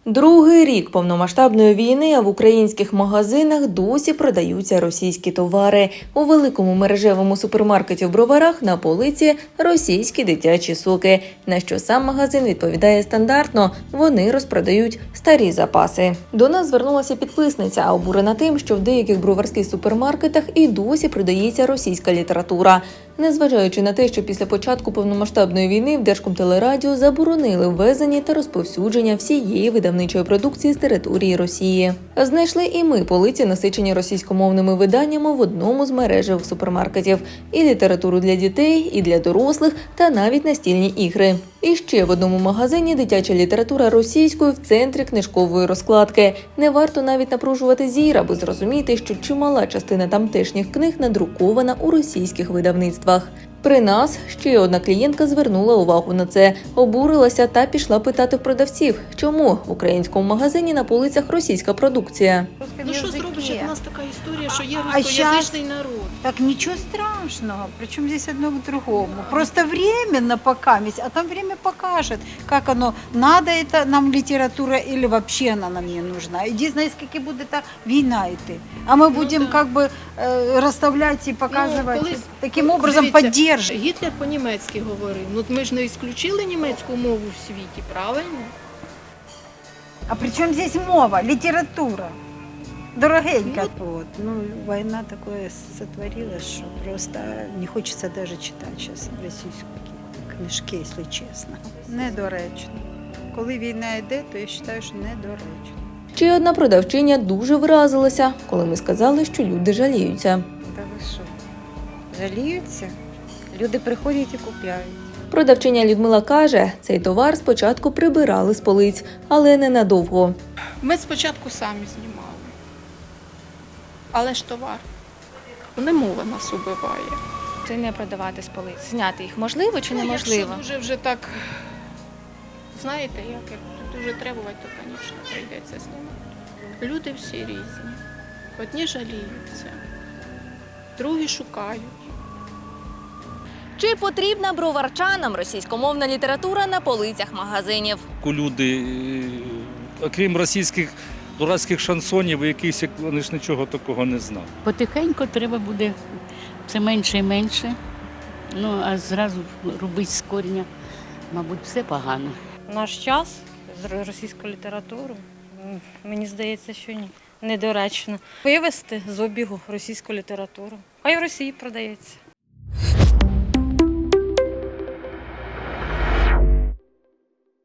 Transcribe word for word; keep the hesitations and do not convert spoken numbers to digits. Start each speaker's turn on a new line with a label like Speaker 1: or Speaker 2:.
Speaker 1: Другий рік повномасштабної війни, а в українських магазинах досі продаються російські товари. У великому мережевому супермаркеті в Броварах на полиці російські дитячі соки. На що сам магазин відповідає стандартно – вони розпродають старі запаси. До нас звернулася підписниця, обурена тим, що в деяких броварських супермаркетах і досі продається російська література. Незважаючи на те, що після початку повномасштабної війни в Держкомтелерадіо заборонили ввезення та розповсюдження всієї видавничої продукції з території Росії. Знайшли і ми полиці, насичені російськомовними виданнями в одному з мережевих супермаркетів. І літературу для дітей, і для дорослих, та навіть настільні ігри. І ще в одному магазині дитяча література російською в центрі книжкової розкладки. Не варто навіть напружувати зір, аби зрозуміти, що чимала частина тамтешніх книг надрукована у російських видавництвах. При нас ще одна клієнтка звернула увагу на це, обурилася та пішла питати в продавців, чому в українському магазині на полицях російська продукція.
Speaker 2: Ну що зробиш, як у нас така історія, що є
Speaker 3: А
Speaker 2: русскоязичний народ.
Speaker 3: Так ничего страшного, причем здесь одно к другому. Просто временно пока, а там время покажет, как оно, надо это нам литература или вообще она нам не нужна. Единственное, скільки буде та війна йти. А ми будемо
Speaker 2: да.
Speaker 3: как бы розставляти і показувати,
Speaker 2: колись-
Speaker 3: таким образом
Speaker 2: Дивіться,
Speaker 3: підтримувати.
Speaker 2: Гітлер по-німецьки говорив. Ну ми ж не ісключили німецьку мову в світі, правильно?
Speaker 3: А при чому здесь мова, література? Дорогенька.
Speaker 2: Ну,
Speaker 3: Вот. Ну, война такое сотворила, что просто не хочется даже читать сейчас російські книжки, якщо чесно. Недоречно. Коли війна йде, то я вважаю, що недоречно.
Speaker 1: Ще одна продавчиня дуже вразилася, коли ми сказали, що люди жаліються.
Speaker 3: Та ви що? Жаліються? Люди приходять і купляють.
Speaker 1: Продавчиня Людмила каже, цей товар спочатку прибирали з полиць, але ненадовго.
Speaker 2: Ми спочатку самі знімали. Але ж товар. Не мова нас убиває.
Speaker 4: Чи не продавати з полиць? Зняти їх можливо чи
Speaker 2: Ну,
Speaker 4: неможливо?
Speaker 2: якщо дуже вже так, знаєте, як, як дуже требувати, то, звісно, прийдеться знімати. Люди всі різні. Одні жаліються, другі шукають.
Speaker 1: Чи потрібна броварчанам російськомовна література на полицях магазинів?
Speaker 5: Люди, е, окрім російських дурацьких шансонів, якісь, вони ж нічого такого не знали.
Speaker 6: Потихеньку треба буде все менше і менше. Ну, а зразу робити з коріння, мабуть, все погано.
Speaker 7: Наш час з російською літературою, м, мені здається, що ні, недоречно. Вивести з обігу російську літературу. Хай в Росії продається.